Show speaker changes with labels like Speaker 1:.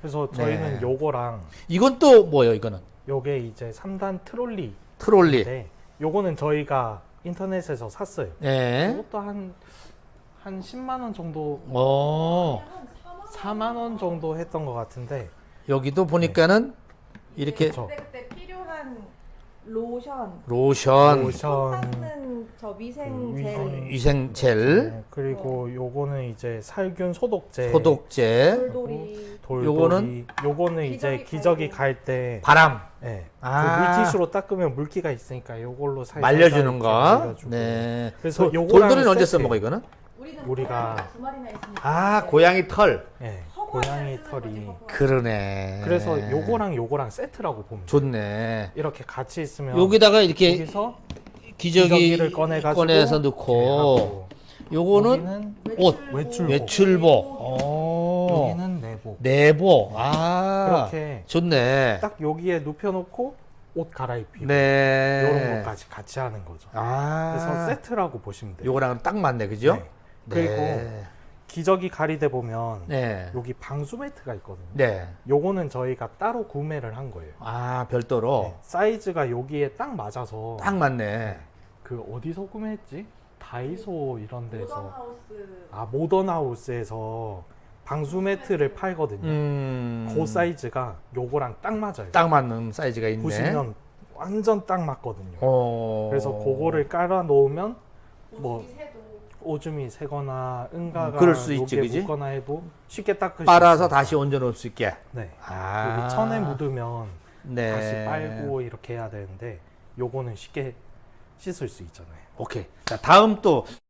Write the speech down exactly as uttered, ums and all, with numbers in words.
Speaker 1: 그래서 저희는
Speaker 2: 네.
Speaker 1: 요거랑
Speaker 2: 이건 또 뭐예요, 이거는?
Speaker 1: 요게 이제 삼 단 트롤리.
Speaker 2: 트롤리.
Speaker 1: 네. 요거는 저희가 인터넷에서 샀어요.
Speaker 2: 예.
Speaker 1: 이것도 한, 한 십만 원 정도,
Speaker 2: 오.
Speaker 1: 사만 원 정도 했던 것 같은데.
Speaker 2: 여기도 보니까는 이렇게
Speaker 1: 그쵸.
Speaker 3: 그때 그때 필요한 로션,
Speaker 2: 로션,
Speaker 1: 로션.
Speaker 3: 손 닦는 저 위생
Speaker 1: 그
Speaker 3: 젤,
Speaker 1: 위생-
Speaker 2: 위생 젤,
Speaker 1: 네, 그리고 요거는 이제 살균 소독제.
Speaker 2: 소독제,
Speaker 3: 돌돌이,
Speaker 1: 돌돌이.
Speaker 2: 요거는?
Speaker 1: 요거는 이제
Speaker 3: 기저귀
Speaker 1: 기저귀
Speaker 3: 갈고.
Speaker 1: 갈 때.
Speaker 2: 바람
Speaker 1: 네.
Speaker 2: 아.
Speaker 1: 그 물티슈로 닦으면 물기가 있으니까 요걸로 살살
Speaker 2: 말려주는
Speaker 1: 이렇게
Speaker 2: 거.
Speaker 1: 말려주고.
Speaker 2: 네.
Speaker 1: 그래서
Speaker 2: 도-
Speaker 1: 요거랑
Speaker 2: 돌돌이는 언제
Speaker 1: 세트.
Speaker 2: 써먹어 이거는?
Speaker 3: 우리는
Speaker 1: 우리가-
Speaker 3: 고양이가 두 마리나 있으니까.
Speaker 2: 아, 고양이 털.
Speaker 1: 네.
Speaker 3: 허브를
Speaker 1: 고양이
Speaker 3: 쓰는
Speaker 1: 털이.
Speaker 3: 거지, 허브.
Speaker 2: 그러네.
Speaker 1: 그래서 요거랑 요거랑 세트라고 보면 돼요.
Speaker 2: 좋네.
Speaker 1: 이렇게 같이 있으면
Speaker 2: 여기다가 이렇게
Speaker 1: 여기서
Speaker 2: 기저귀
Speaker 1: 기저귀를 꺼내가지고
Speaker 2: 꺼내서
Speaker 1: 이렇게
Speaker 2: 넣고
Speaker 1: 하고,
Speaker 2: 요거는
Speaker 1: 여기는
Speaker 2: 옷,
Speaker 1: 외출복.
Speaker 2: 외출복. 오.
Speaker 1: 여기는 내복.
Speaker 2: 내복. 아.
Speaker 1: 그렇게
Speaker 2: 좋네.
Speaker 1: 딱 여기에 눕혀놓고 옷 갈아입히고
Speaker 2: 네.
Speaker 1: 이런 것까지 같이 하는 거죠.
Speaker 2: 아.
Speaker 1: 그래서 세트라고 보시면 돼요.
Speaker 2: 요거랑은 딱 맞네, 그죠?
Speaker 1: 네. 그리고
Speaker 2: 네.
Speaker 1: 기저귀 가리대 보면
Speaker 2: 네.
Speaker 1: 여기 방수 매트가 있거든요.
Speaker 2: 네.
Speaker 1: 요거는 저희가 따로 구매를 한 거예요.
Speaker 2: 아, 별도로.
Speaker 1: 네, 사이즈가 여기에 딱 맞아서
Speaker 2: 딱 맞네.
Speaker 1: 그 어디서 구매했지? 다이소 이런 데서
Speaker 3: 모던하우스.
Speaker 1: 아 모던하우스에서 방수 매트를 팔거든요.
Speaker 2: 음.
Speaker 1: 그 사이즈가 요거랑 딱 맞아요.
Speaker 2: 딱 맞는 사이즈가 있네.
Speaker 1: 보시면 완전 딱 맞거든요.
Speaker 2: 어.
Speaker 1: 그래서 그거를 깔아 놓으면 뭐
Speaker 3: 오줌이 새도.
Speaker 1: 오줌이 새거나 응가가
Speaker 2: 음, 그럴 수 있지,
Speaker 1: 여기에
Speaker 2: 그지?
Speaker 1: 묻거나 해도 쉽게 닦을 수
Speaker 2: 빨아서
Speaker 1: 있어요.
Speaker 2: 다시 얹어 놓을 수 있게.
Speaker 1: 네.
Speaker 2: 아.
Speaker 1: 여기 천에 묻으면
Speaker 2: 네.
Speaker 1: 다시 빨고 이렇게 해야 되는데 요거는 쉽게 씻을 수 있잖아요.
Speaker 2: 오케이. 자, 다음 또